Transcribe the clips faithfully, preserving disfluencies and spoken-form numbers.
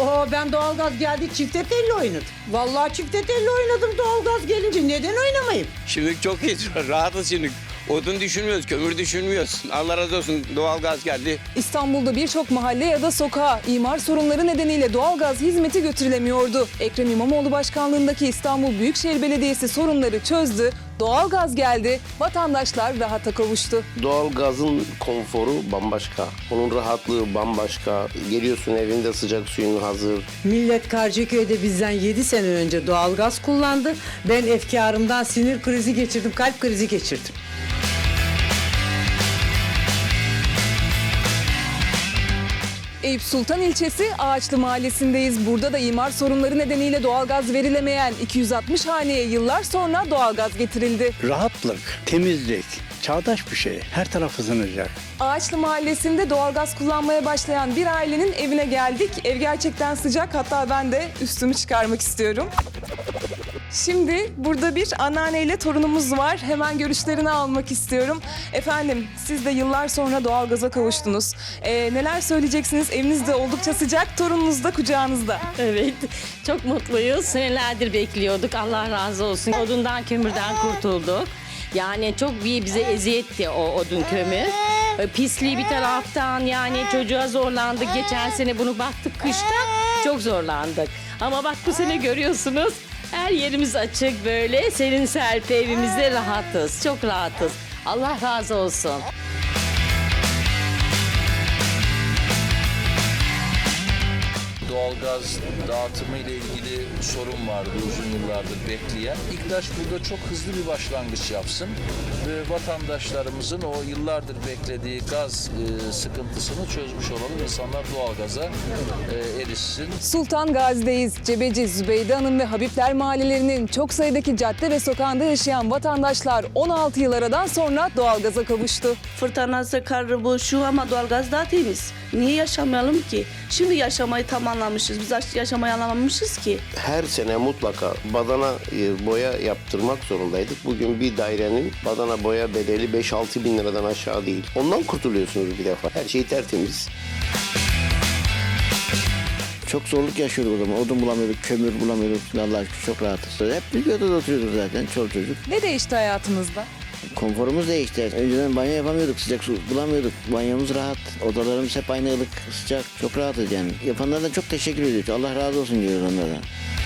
Oo, ben doğalgaz geldi çifte telli oynadım. Vallahi çifte telli oynadım doğalgaz gelince. Neden oynamayayım? Şimdi çok iyi, rahatız şimdi. Odun düşünmüyoruz, kömür düşünmüyoruz. Allah razı olsun, doğalgaz geldi. İstanbul'da birçok mahalle ya da sokağa imar sorunları nedeniyle doğalgaz hizmeti götürülemiyordu. Ekrem İmamoğlu başkanlığındaki İstanbul Büyükşehir Belediyesi sorunları çözdü. Doğalgaz geldi, vatandaşlar rahata kavuştu. Doğalgazın konforu bambaşka. Onun rahatlığı bambaşka. Geliyorsun evinde sıcak suyun hazır. Millet Karşıyaköy'de bizden yedi sene önce doğalgaz kullandı. Ben efkarımdan sinir krizi geçirdim, kalp krizi geçirdim. Eyüp Sultan ilçesi Ağaçlı mahallesindeyiz. Burada da imar sorunları nedeniyle doğalgaz verilemeyen iki yüz altmış haneye yıllar sonra doğalgaz getirildi. Rahatlık, temizlik, çağdaş bir şey. Her taraf ısınacak. Ağaçlı mahallesinde doğalgaz kullanmaya başlayan bir ailenin evine geldik. Ev gerçekten sıcak, hatta ben de üstümü çıkarmak istiyorum. Şimdi burada bir anneanneyle torunumuz var. Hemen görüşlerini almak istiyorum. Efendim, siz de yıllar sonra doğalgaza kavuştunuz. Ee, neler söyleyeceksiniz? Eviniz de oldukça sıcak, torununuz da kucağınızda. Evet, çok mutluyuz. Senelerdir bekliyorduk. Allah razı olsun. Odundan, kömürden kurtulduk. Yani çok bir bize eziyetti o odun kömür. Pisliği bir taraftan, yani çocuğa zorlandık. Geçen sene bunu baktık kışta, çok zorlandık. Ama bak bu sene görüyorsunuz, her yerimiz açık böyle. Serin serpi evimizde rahatız, çok rahatız. Allah razı olsun. Doğalgaz dağıtımı ile ilgili sorun vardı uzun yıllardır bekleyen. İKDAŞ burada çok hızlı bir başlangıç yapsın ve vatandaşlarımızın o yıllardır beklediği gaz e, sıkıntısını çözmüş olalım. İnsanlar doğalgaza e, erişsin. Sultan Gazi'deyiz. Cebeci, Zübeyde Hanım ve Habibler mahallelerinin çok sayıdaki cadde ve sokağında yaşayan vatandaşlar on altı yıl aradan sonra doğalgaza kavuştu. Fırtınası, karı, bu, şu ama doğalgaz daha temiz. Niye yaşamayalım ki? Şimdi yaşamayı tamamlamışız. Biz yaşamayı anlamamışız ki. Her sene mutlaka badana e, boya yaptırmak zorundaydık. Bugün bir dairenin badana boya bedeli beş altı bin liradan aşağı değil. Ondan kurtuluyorsunuz bir defa. Her şey tertemiz. Çok zorluk yaşıyorduk o zaman. Odun bulamıyorduk, kömür bulamıyorduk. Allah'a şükür çok rahatız. Hep bir odada oturuyorduk zaten, çoluk çocuk. Ne değişti hayatınızda? Konforumuz değişti. Önceden banyo yapamıyorduk, sıcak su bulamıyorduk. Banyomuz rahat, odalarımız hep aynı ılık, sıcak. Çok rahatız yani. Yapanlara çok teşekkür ediyoruz. Allah razı olsun diyoruz onlardan.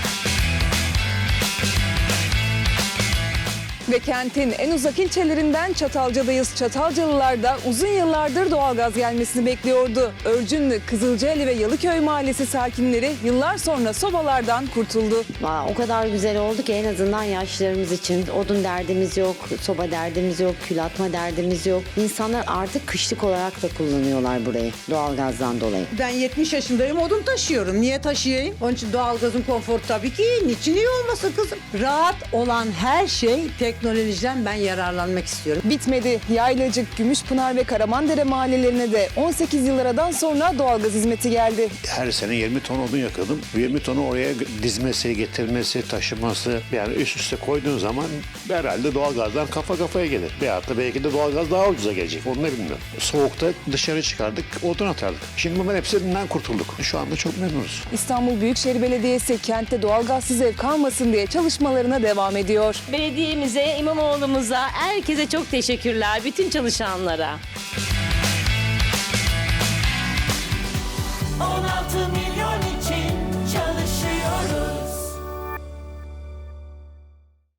Ve kentin en uzak ilçelerinden Çatalca'dayız. Çatalcalılar da uzun yıllardır doğalgaz gelmesini bekliyordu. Örcünlü, Kızılcaeli ve Yalıköy mahallesi sakinleri yıllar sonra sobalardan kurtuldu. Aa, o kadar güzel oldu ki en azından yaşlılarımız için odun derdimiz yok, soba derdimiz yok, kül atma derdimiz yok. İnsanlar artık kışlık olarak da kullanıyorlar burayı doğalgazdan dolayı. Ben yetmiş yaşındayım, odun taşıyorum. Niye taşıyayım? Onun için doğalgazın konforu tabii ki iyi. Niçin iyi olmasın kızım? Rahat olan her şey teknolojiden ben yararlanmak istiyorum. Bitmedi. Yaylacık, Gümüşpınar ve Karamandere mahallelerine de on sekiz yıl aradan sonra doğalgaz hizmeti geldi. Her sene yirmi ton odun yakıyordum. yirmi tonu oraya dizmesi, getirmesi, taşıması. Yani üst üste koyduğun zaman herhalde doğalgazdan kafa kafaya gelir. Veyahut da belki de doğalgaz daha ucuza gelecek. Onu da bilmiyorum. Soğukta dışarı çıkardık, odun atardık. Şimdi bunların hepsinden kurtulduk. Şu anda çok memnunuz. İstanbul Büyükşehir Belediyesi kentte doğalgazsız ev kalmasın diye çalışmalarına devam ediyor. Belediyemize, İmamoğlu'muza, herkese çok teşekkürler. Bütün çalışanlara. on altı